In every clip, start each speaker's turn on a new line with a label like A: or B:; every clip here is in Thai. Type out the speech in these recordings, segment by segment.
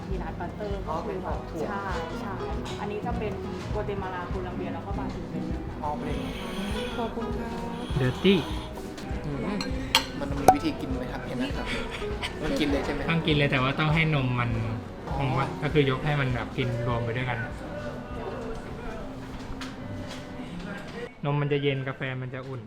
A: พีนัทบัตเตอร์ก็คือแบบใช่อันนี้จะเป็นกัวเตมาลาโคลัมเบียแล้วก็บราซิลเป็น
B: อ๋อเป็น
A: ขอบคุณค่ะ
C: เดอร์ตี้
B: มันมีวิธีกินไหมครับพี่นะครับมันกินเลยใช่ไหม
C: ต้องกินเลยแต่ว่าต้องให้นมมันของมันก็คือยกให้มันแบบกินรวมไปด้วยกัน นมมันจะเย็นกาแฟมันจะอุ่น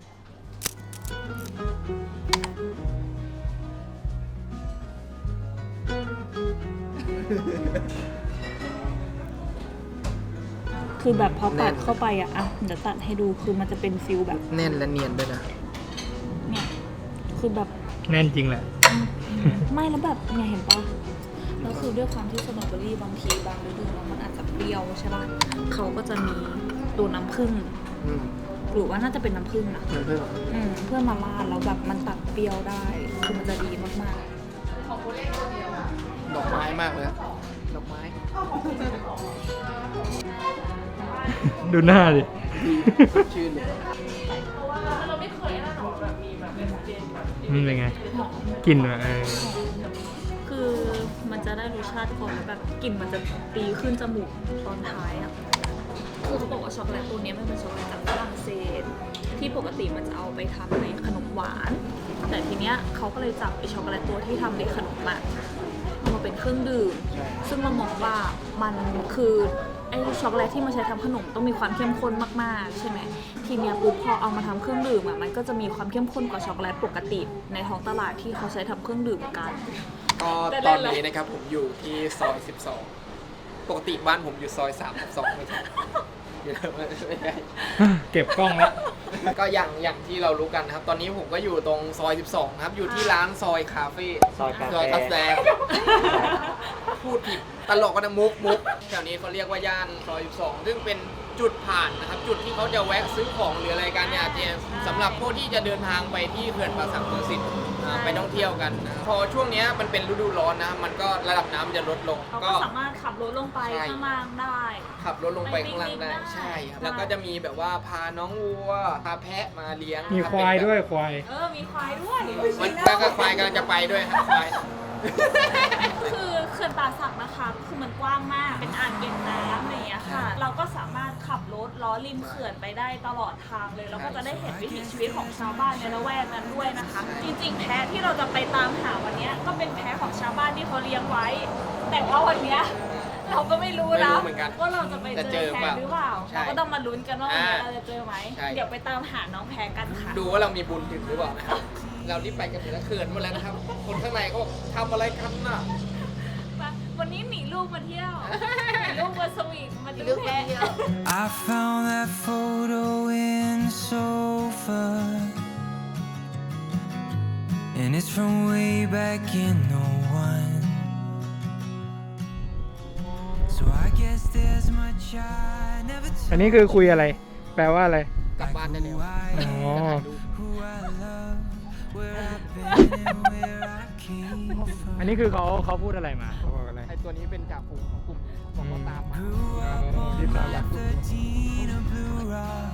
A: คือแบบพอตัดเข้าไปอ่ะเดี๋ยวตัดให้ดูคือมันจะเป็นฟิลแบบ
B: แน่นและเนียนด้วยนะ
A: เนี่ยคือแบบ
C: แน่นจริงแหละ
A: ไม่แล้วแบบเนี่ยเห็นปะแล้วคือด้วยความที่สตรอเบอรี่บางทีบางฤดูมันอาจจะเปรี้ยวใช่ปะเขาก็จะมีตัวน้ำผึ้งหรือว่าน่าจะเป็นน้ำผึ้งนะ
B: น้ำผึ้ง
A: เพื่อมาราดแล้วแบบมันตัดเปรี้ยวได้คือมันจะดีมาก
B: ดอกไม้มากเลยดอกไม้
C: ดูหน้าดิ
B: ชื่นเลย
C: มันเป็นไงกลิ่นแบบ
A: คือมันจะได้รสชาติก่อนแล้วแบบกลิ่นมันจะตีขึ้นจมูกตอนท้ายอ่ะคือเขาบอกว่าช็อกโกแลตตัวนี้มันเป็นช็อกโกแลตจากฝรั่งเศสที่ปกติมันจะเอาไปทำในขนมหวานแต่ทีเนี้ยเขาก็เลยจับไอช็อกโกแลตตัวที่ทำในขนมอะเอามาเป็นเครื่องดื่มซึ่งเรามองว่ามันคือไอช็อกโกแลตที่มาใช้ทำขนมต้องมีความเข้มข้นมากๆใช่ไหมทีเนี้ยปุ๊บพอเอามาทำเครื่องดื่มอะมันก็จะมีความเข้มข้นกว่าช็อกโกแลตปกติในท้องตลาดที่เขาใช้ทำเครื่องดื่มกัน
B: ก็ตอนนี้นะครับผมอยู่ที่ซอย12ปกติบ้านผมอยู่ซอย3/2ไม่ใช่อยู่ไม่ใช่
C: เก็บกล้องแล้ว
B: ก็อย่างที่เรารู้กันนะครับตอนนี้ผมก็อยู่ตรงซอย12ครับอยู่ที่ร้านซอยคาเฟ่ซอยคาเฟ่พูดผิดตลกก็นะมุกแถวนี้เขาเรียกว่าย่านซอย12ซึ่งเป็นจุดผ่านนะครับจุดที่เขาจะแวะซื้อของหรืออะไรกันเนี่ยสำหรับพวกที่จะเดินทางไปที่เขื่อนป่าสักเมืองสิทธิ์ไปท่องเที่ยวกันนะพอช่วงนี้มันเป็นฤดูร้อนนะมันก็ระดับน้ำจะลดลง
A: ก็สามารถขับรถลงไปข้างล่างได้
B: ขับรถลงไปข้างล่างได้ใช่ครับแล้วก็จะมีแบบว่าพาน้องวัวพาแพะมาเลี้ยง
C: มีควายด้วยควาย
A: มีควายด้วย
B: มันก็ควายกำลังจะไปด้วยครับควาย
A: คือเขื่อนป่าสักนะคะคือมันกว้างมากเป็นอ่างเก็บน้ำอะไรอย่างเงี้ยค่ะเราก็สามารถขับรถล้อริมเขื่อนไปได้ตลอดทางเลยแล้วก็จะได้เห็นวิถีชีวิตของชาวบ้านในละแวกนั้นด้วยนะคะจริงๆแพะที่เราจะไปตามหาวันนี้ก็เป็นแพะของชาวบ้านที่เขาเลี้ยงไว้แต่ว่าวันนี้เราก็ไม่รู้นะว่าเราจะไปเจอแพะหรือเปล่าเราก็ต้องมาลุ้นกันว่าวันนี้เราจะเจอไหมเดี๋ยวไปตามหาน้องแพะกันค่ะ
B: ดูว่าเรามีบุญถึงหรือเปล่านะครับเรารีบไปกันเถอะเขื่อนหมดแล้วนะครับคนข้างในเขาบอกทำอะไรกันน่ะ
A: วันนี้หนีลูกมาเที่ยวหนีลูกมาสวีทมาดูแพะ
D: I found that photo in the sofa and it's from way back in '01 so I guess there's much I never told
C: อันนี้คือคุยอะไรแปลว่าอะไร
B: กลับบ้านได้แล้ว
C: อ๋อ
D: who I love where I've been and where I came from
C: อันนี้คือเขาพูดอะไรมาเขาบอกอะไร
B: ไอตัวนี้เป็นจ่าฝูงของกลุ่มของเขาตามมา
D: Grew up on Route 13 of Blue Rock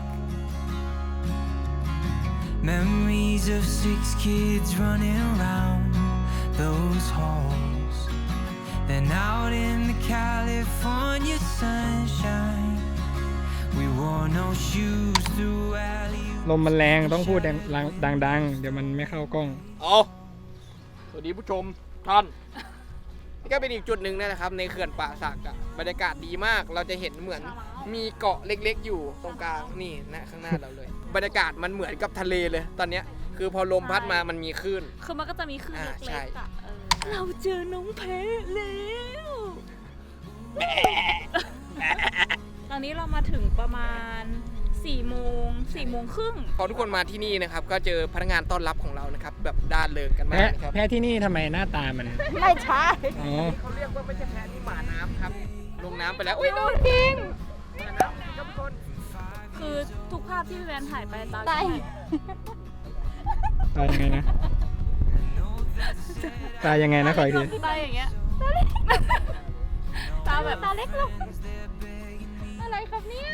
D: Memories of 6 kids running around those halls Then out in the California sunshine We wore no shoes through alley
C: ลมมันแรงต้องพูดดังๆเดี๋ยวมันไม่เข้ากล้อง
B: สวัสดีผู้ชมท่านนี่ก็เป็นอีกจุดหนึ่งนะครับในเขื่อนป่าสักอะบรรยากาศดีมากเราจะเห็นเหมือนมีเกาะเล็กๆอยู่ตรงกลางนี่นะข้างหน้าเราเลยบรรยากาศมันเหมือนกับทะเลเลยตอนเนี้ยคือพอลมพัดมามันมีคลื่น
A: คือมันก็จะมีคลื่นเล็กๆอะเราเจอน้องแพะแล้วตอนนี้เรามาถึงประมาณ4 โมงครึ่ง
B: พอทุกคนมาที่นี่นะครับก็เจอพนักงานต้อนรับของเรานะครับแบบด้านเลิงกันมากนะครับ
C: แพะที่นี่ทำไมหน้าตามัน
A: ไม่ใช่
B: เขาเรียกว่าไม่ใช่แพะที่หมาน้ำครับลงน้ำไปแล้ว
A: อุ้ยโดนพิง
B: หมาน้ำครับทุกคน
A: คือทุกภาพที่พี่แวนถ่ายไปตา
C: ยังไงนะตายังไงนะขออีกที
A: ตาอย่างเงี้ยตาแบบตาเล็กลงอะไรครับเนี่ย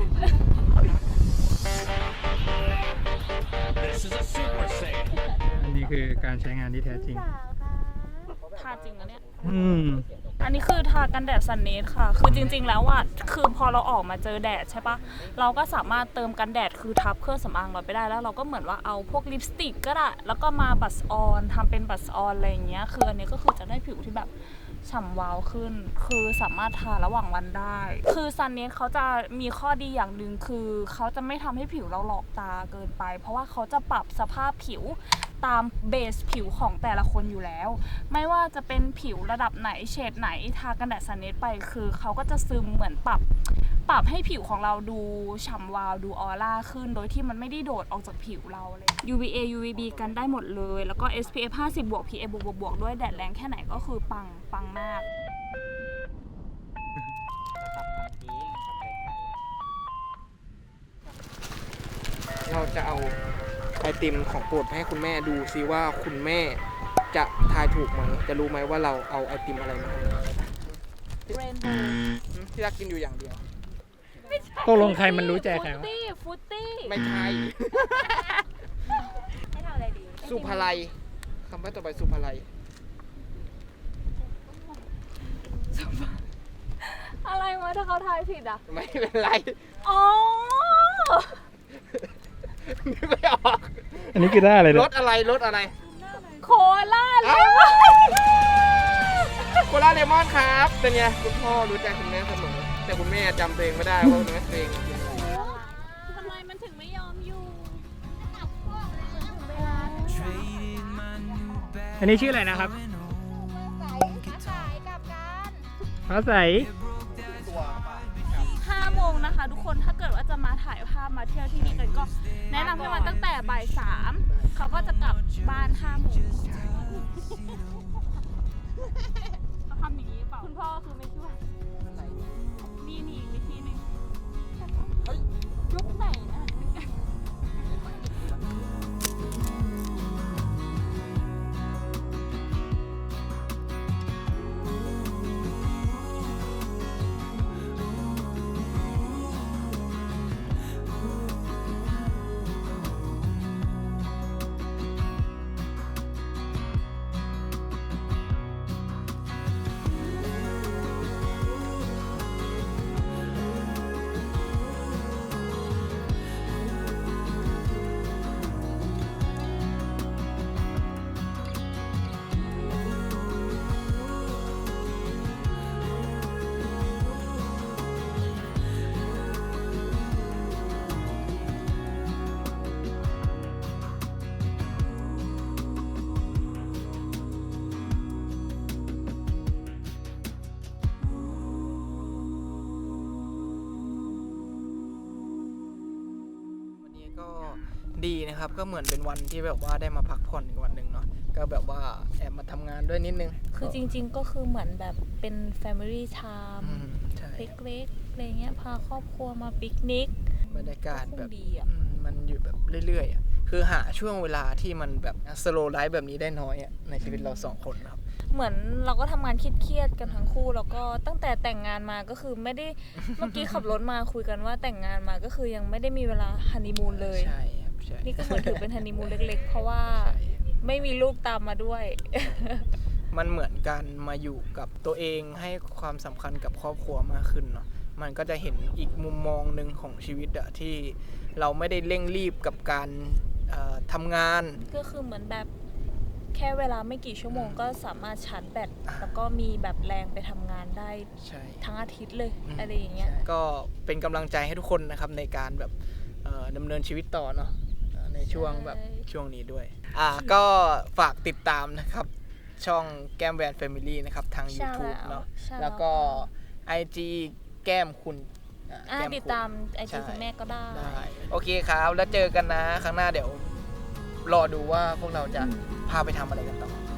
C: อันนี้นี่คือการใช้งานที่แท้จริง
A: ทาจริงนะเนี่ย
C: อืม
A: อันนี้คือทากันแดดซันเนสค่ะ คือจริงๆ แล้วอ่ะ คือพอเราออกมาเจอแดดใช่ปะเราก็สามารถเติมกันแดดคือทับเครื่องสำอางเราไปได้ แล้วเราก็เหมือนว่าเอาพวกลิปสติกก็ได้ แล้วก็มาบัสออนทำเป็นบัสออนอะไรอย่างเงี้ย คืออันนี้ก็คือจะได้ผิวที่แบบฉ่ำวาวขึ้น คือสามารถทาระหว่างวันได้ คือซันเนสเขาจะมีข้อดีอย่างหนึ่งคือเขาจะไม่ทำให้ผิวเราหลอกตาเกินไป เพราะว่าเขาจะปรับสภาพผิวตามเบสผิวของแต่ละคนอยู่แล้ว ไม่ว่าจะเป็นผิวระดับไหนเฉดไหนทากันแดดซันเนสไปคือเขาก็จะซึมเหมือนปรับให้ผิวของเราดูฉ่ำวาวดูออร่าขึ้นโดยที่มันไม่ได้โดดออกจากผิวเราเลย UVA UVB กันได้หมดเลย แล้วก็ SPF 50 บวก PA บวกบวกด้วยแดดแรงแค่ไหนก็คือปังมาก
B: เราจะเอาไอติมของโปรดไปให้คุณแม่ดูซิว่าคุณแม่จะทายถูกไหมจะรู้ไหมว่าเราเอาไอติมอะไรมาให้
A: Rainbow
B: ที่รักกินอยู่อย่างเดียว
C: ตกลงใครมันรู้ใจใครวะ
A: ฟุตตี้
B: ไม่ใช่
A: ให้ทำอะไรดี
B: สุภาลัยคำว่าต่อไปสุภาลัย
A: อะไรวะถ้าเขาทายผิดอ่ะ
B: ไม่เป็นไร
A: อ๋อ
B: นึกไม่ออก
C: อันนี้คือได้อะไร
B: ร
C: เนี่ย
B: ถอะไรรถอะไร
A: โคลาเลมอน
B: โคลาเลมอนครับเป็นไงคุณพ่อรู้ใจคุณแม่เสมอแต่คุณแม่จำตัวเองไม่ได้ว่าคุณแม่ตัวเองกินอะไร
A: ทำไมมันถึงไม่ยอมอยู่
D: Traded my new bag
C: อันนี้ชื่ออะไรนะครับ
D: and old
C: ฟ้าใส
A: 5 โมงนะคะทุกคนถ้าเกิดว่าจะมาถ่ายภาพมาเที่ยวที่นี่กันก็แนะนำให้มาตั้งแต่บ่าย 3เขาก็จะกลับบ้าน 5 โมงเขาทำอย่างนี้เปล่าคุณพ่อคือไม่ช่วยนี่อีกวิธีหนึงยกไหนนะ
B: วันนี้ก็ดีนะครับก็เหมือนเป็นวันที่แบบว่าได้มาพักผ่อนอีกวันหนึ่งเนาะก็แบบว่าแอบมาทำงานด้วยนิดนึง
A: คือจริงๆก็คือเหมือนแบบเป็น Family Time
B: ใช่
A: เล็กๆอะไรเงี้ยพาครอบครัวมาปิกนิก
B: บรรยากาศแบบ
A: คงดีอะ
B: มันอยู่แบบเรื่อยๆอ่ะคือหาช่วงเวลาที่มันแบบสโลว์ไลฟ์แบบนี้ได้น้อยอ่ะในชีวิตเราสองคนนะครับ
A: เหมือนเราก็ทำงานเครียดๆกันทั้งคู่แล้วก็ตั้งแต่แต่งงานมาก็คือไม่ได้ เมื่อกี้ขับรถมาคุยกันว่าแต่งงานมาก็คือยังไม่ได้มีเวลาฮันนีมูนเลย
B: ใช่ครับใช่
A: นี่ก็เหมือนถือเป็นฮันนีมูนเล็กๆ เพราะว่า
B: ใช่
A: ไม่มีลูกตามมาด้วย
B: มันเหมือนการมาอยู่กับตัวเองให้ความสำคัญกับครอบครัวมากขึ้นเนาะมันก็จะเห็นอีกมุมมองหนึ่งของชีวิตอะที่เราไม่ได้เร่งรีบกับการทำงาน
A: ก็คือเหมือนแบบแค่เวลาไม่กี่ชั่วโมงก็สามารถชาร์จแบตแล้วก็มีแบบแรงไปทำงานได้
B: ใช่
A: ทั้งอาทิตย์เลยอะไรอย่างเงี้ย
B: ก็เป็นกำลังใจให้ทุกคนนะครับในการแบบดำเนินชีวิตต่อเนาะในช่วงแบบช่วงนี้ด้วยก็ฝากติดตามนะครับช่องแก้มแวนแฟมิลี่นะครับทาง YouTube เนาะแล้วก็ IG แก้มคุณแก้มคุณ
A: ติดตามไอจีคุณแม่ก็ได้
B: โอเคครับแล้วเจอกันนะครั้งหน้าเดี๋ยวรอดูว่าพวกเราจะพาไปทำอะไรกันต่อ